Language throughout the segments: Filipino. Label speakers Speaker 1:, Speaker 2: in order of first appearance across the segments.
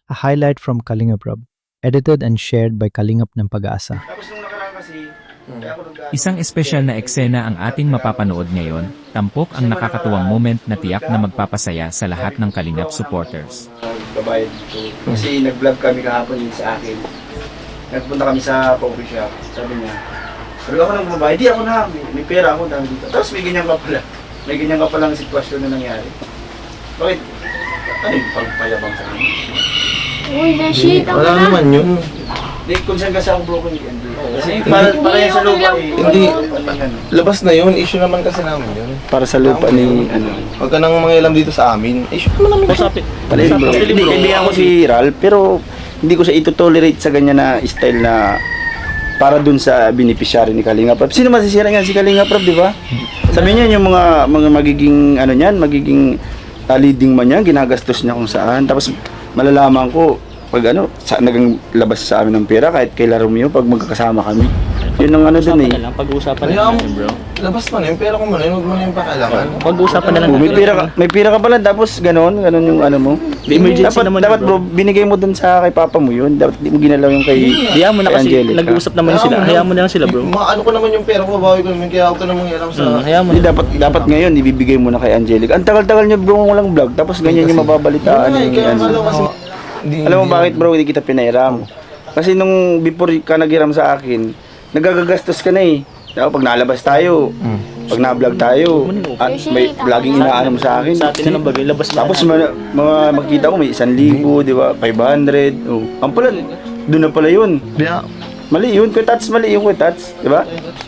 Speaker 1: a highlight from Kalingap Rob, edited and shared by Kalingap ng Pag-asa.
Speaker 2: Isang espesyal na eksena ang ating mapapanood ngayon, tampok ang nakakatuwang moment na tiyak na magpapasaya sa lahat ng Kalingap supporters.
Speaker 3: Babayad dito. Kasi nag-vlog kami kahapon yun sa akin. Nagpunta kami sa coffee shop. Sabi niya, pero ako nang babayad, di ako na, may pera ako dami dito. Tapos may ganyan ka pala. May ganyan ka palang sitwasyon na nangyari. Bakit? Ano yung pagpayabang sa akin?
Speaker 4: Uy, na-shit ako
Speaker 5: Wala
Speaker 4: na.
Speaker 5: naman yun.
Speaker 3: Hindi, kung saan kasi ako broken weekend. Kasi para yan sa lupa eh.
Speaker 5: Hindi.
Speaker 3: Ano,
Speaker 5: Labas na yun. Issue naman kasi namin yun.
Speaker 3: para sa lupa ni ano.
Speaker 5: Huwag ka nang mangialam dito sa amin. Issue naman namin.
Speaker 3: Hindi, kaibigan ko si Ral, pero hindi ko siya ito-tolerate sa ganyan na style na para dun sa beneficiary ni Kalinga Prab. Sino masisira nga si Kalinga Prab, di ba? Sabi niya yung mga magiging ano niyan, magiging leading man niya, ginagastos niya kung saan. Tapos malalaman ko pag ano, nagang labas sa amin ng pera kahit kay La Romeo pag magkakasama kami. Yun ang ano dun eh.
Speaker 6: Pag-uusapan na
Speaker 5: Kaya
Speaker 6: lang natin, bro.
Speaker 5: labas pa na yun. Pero kung ano yun, huwag mo na yung pakailangan.
Speaker 6: Pag-uusapan na lang
Speaker 3: Oh,
Speaker 6: natin.
Speaker 3: may pera ka pala tapos ganon yung ano mo.
Speaker 6: Emergency
Speaker 3: dapat,
Speaker 6: naman
Speaker 3: dapat
Speaker 6: yun,
Speaker 3: bro, binigay mo dun sa kay papa mo yun. Dapat di mo ginalaw yung kay
Speaker 6: Hayaan mo na
Speaker 3: kay
Speaker 6: kasi,
Speaker 3: Angelica.
Speaker 6: nag-uusap naman sila. Hayaan mo na lang sila, bro.
Speaker 5: Maano ko naman yung pera ko, bawi ko naman. Kaya huwag ka nang mangialam sa...
Speaker 6: Hayaan mo
Speaker 3: Hindi,
Speaker 6: na.
Speaker 3: dapat ngayon ibibigay mo na kay Angelica. Ang tagal-tagal niya bro walang vlog tapos ganyan yung mababalitaan
Speaker 5: Ay,
Speaker 3: ni
Speaker 5: kaya
Speaker 3: Angelica.
Speaker 5: alam kasi...
Speaker 3: Alam mo bakit bro hindi kita pinairam? Kasi nung before ka naghiram sa akin, nagagagastos ka na eh. Diba, pag nalabas tayo, pag na-vlog tayo, at may laging inaano mo sa akin.
Speaker 6: Sa atin na ng bagay, labas na.
Speaker 3: Tapos mga makita ko may 1,000, di ba? 500. Oh. Ang pala, doon na pala yun.
Speaker 5: Yeah.
Speaker 3: Mali yun, Kuya Tats, mali yung Kuya Tats, di ba?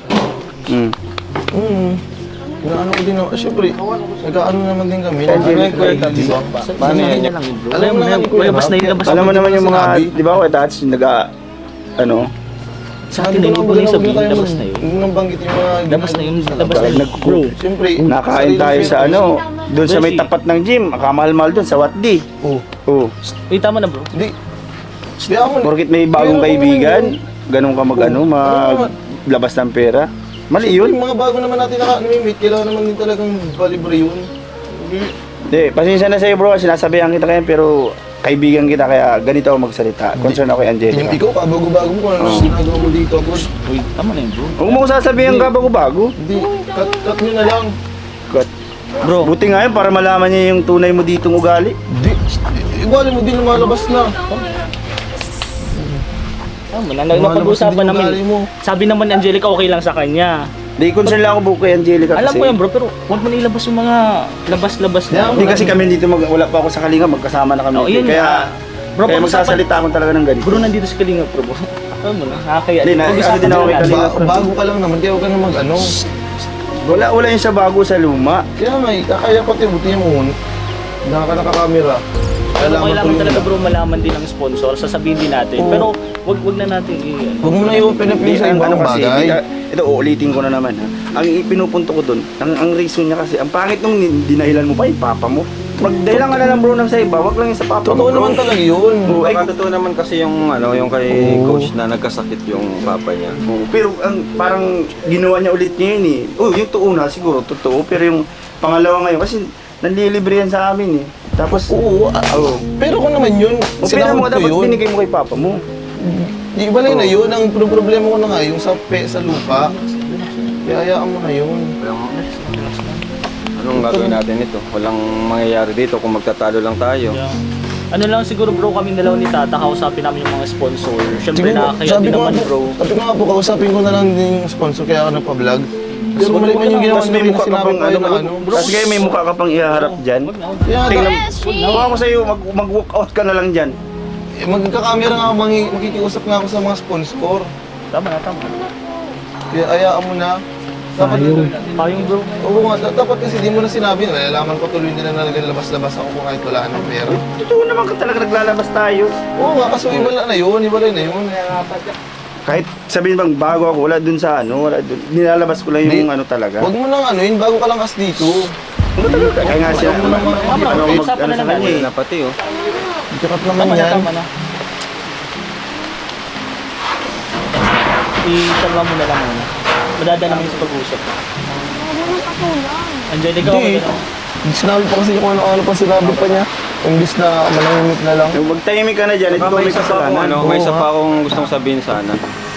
Speaker 5: Ano ko din naman. Siyempre, nag-ano naman din kami. Ano yung kwenta, di ba? Paano yan?
Speaker 6: Alam mo na, labas na yung labas.
Speaker 3: Alam mo naman yung mga, di ba Kuya Tats, yung ano,
Speaker 6: Sa atin na yung ibang sabihin, labas na yun.
Speaker 5: Huwag nang banggit yung mga...
Speaker 6: Labas na yun, labas na yun. Bro,
Speaker 5: Siyempre,
Speaker 3: nakain tayo sa ano, doon sa may tapat ng gym, kamahal-mahal doon, sa Watdi.
Speaker 5: Oh.
Speaker 3: Oh.
Speaker 6: wait, tama na, bro.
Speaker 5: Hindi. Hindi ako...
Speaker 3: Porkit may bagong kaibigan, ganun ka maglabas ng pera. Mali yun.
Speaker 5: Yung mga bago naman natin naka-meet, kailangan naman din talagang balibre yun.
Speaker 3: Hindi, pasensya na sa'yo bro, sinasabihan kita kaya pero kaibigan kita kaya ganito ako magsalita. Concern ako kay Angelica.
Speaker 5: Yung ikaw, kabago-bago mo kung ano ginagawa mo dito.
Speaker 6: Wait, tama na yun, bro.
Speaker 3: Huwag mo ko sasabihin ka bago-bago.
Speaker 5: Hindi, cut nyo na lang.
Speaker 3: God.
Speaker 6: Bro,
Speaker 3: Buti nga yun para malaman niya yung tunay mo ditong ugali.
Speaker 5: Hindi, iwala mo din lumalabas na.
Speaker 6: tama na. Napag-uusapan namin. Sabi naman ni Angelica, okay lang sa kanya.
Speaker 3: Di concern lang ako buko kay Angelica kasi.
Speaker 6: Alam mo yan, bro, pero huwag mo na ilabas yung mga labas-labas na.
Speaker 3: Hindi kasi kami dito, wala pa ako sa Kalinga, magkasama na kami.
Speaker 6: Oh, yun
Speaker 3: kaya
Speaker 6: Bro,
Speaker 3: kaya
Speaker 6: pag-usapan-
Speaker 3: magsasalita ako talaga ng ganito.
Speaker 6: Bro, nandito si Kalinga, bro. Alam mo na, nakakaya.
Speaker 3: Hindi, ano din ako kay Kalinga.
Speaker 5: Bago ka lang naman, kaya huwag ka na mag-ano.
Speaker 3: Wala yun sa bago sa luma.
Speaker 5: Kaya nga, kakaya pati buti mo. Nakakamera.
Speaker 6: Kailangan talaga, bro, malaman din ng sponsor. Sasabihin din natin.
Speaker 5: Oo.
Speaker 6: Pero wag na natin
Speaker 5: Huwag mo na i-open up yung sa ibang bagay.
Speaker 3: Ito, uulitin ko na naman ha. Ang pinupunto ko dun, ang reason niya kasi, ang pangit nung dinahilan mo pa, papa mo. Magdahilan ka na lang bro ng sa iba, wag lang yung sa papa mo.
Speaker 5: Totoo
Speaker 3: bro.
Speaker 5: naman talaga yun.
Speaker 3: Oo, ay,
Speaker 7: Baka totoo naman kasi yung ano, yung kay coach na nagkasakit yung papa niya.
Speaker 3: pero ang parang ginawa niya ulit niya yun eh. Oh, yung tuuna siguro totoo, pero yung pangalawa ngayon kasi nanlilibre yan sa amin eh. Tapos
Speaker 5: Oo, pero kung naman yun,
Speaker 3: o pera mo
Speaker 5: sinahod ko
Speaker 3: dapat
Speaker 5: yun.
Speaker 3: binigay mo kay papa mo.
Speaker 5: Di ba na yun, ang problema ko na nga yung sa lupa. Kaya hayaan mo na yun.
Speaker 7: Anong gagawin natin ito? Walang mangyayari dito kung magtatalo lang tayo.
Speaker 6: Ano lang siguro, bro, kami dalawa ni Tata, kausapin namin yung mga sponsor. Siyempre, nakakaya din naman, bro.
Speaker 5: Sabi ko nga po, kausapin ko na lang din yung sponsor kaya ako nagpa-vlog. Pero mali man yung ginawa
Speaker 3: Tapos may
Speaker 5: nila
Speaker 3: mukha ka
Speaker 5: sinabi
Speaker 3: pang
Speaker 5: ko na ano.
Speaker 3: Tapos kaya may mukha ka pang ihaharap dyan.
Speaker 5: Kaya
Speaker 3: Tingnan,
Speaker 4: Yes,
Speaker 3: kuha ko sa'yo, mag-walk out ka na lang dyan.
Speaker 5: magkakamera nga ako, makikiusap nga ako sa mga sponsor.
Speaker 6: Tama na, tama.
Speaker 5: Kaya hayaan mo na. Dapat,
Speaker 6: Payong, bro.
Speaker 5: oo nga, dapat kasi di mo na sinabi, nalalaman ko tuloy nila na naglabas-labas ako kung kahit wala ng pera.
Speaker 3: Totoo naman ka talaga naglalabas tayo.
Speaker 5: Oo nga, kaso iwala na yun,
Speaker 3: Kahit sabihin bang bago ako, wala dun sa ano, wala dun. Nilalabas ko lang yung ano talaga.
Speaker 5: Huwag mo nang ano yun, bago ka lang kas dito.
Speaker 3: Kaya nga siya,
Speaker 5: Huwag mo nang
Speaker 3: ano mag
Speaker 6: usapan
Speaker 3: ano
Speaker 6: na
Speaker 3: sa
Speaker 6: lang
Speaker 3: kanya eh.
Speaker 7: Na pati oh.
Speaker 5: Ikakat naman
Speaker 6: Tama na,
Speaker 5: yan.
Speaker 6: tama na. Isalwa mo na lang muna. Madada naman yung sa pag-usap.
Speaker 4: Wala nang katulong.
Speaker 6: Angelica,
Speaker 5: Hindi.
Speaker 6: okay na.
Speaker 5: Sinabi pa kasi kung ano-ano pa sinabi pa niya. Imbis na manahimik na lang.
Speaker 3: Yung magtahimik ka na dyan, ito
Speaker 7: May
Speaker 3: may
Speaker 7: isa pa akong,
Speaker 3: kasalanan.
Speaker 7: may isa pa akong gustong sabihin sana.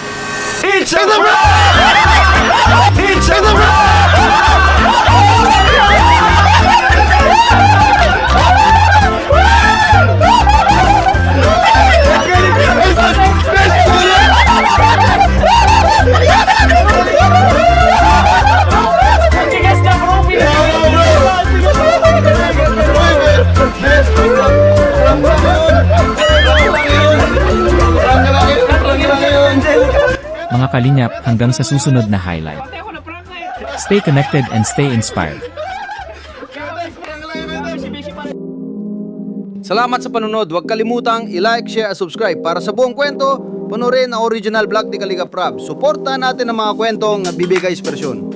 Speaker 2: Mga kalingap, hanggang sa susunod na highlight. Stay connected and stay inspired.
Speaker 8: Salamat sa panunod. Huwag kalimutang i-like, share at subscribe. Para sa buong kwento, panoorin ang original vlog ni Kalinga Prab. Suportahan natin ang mga kwentong nagbibigay inspirasyon.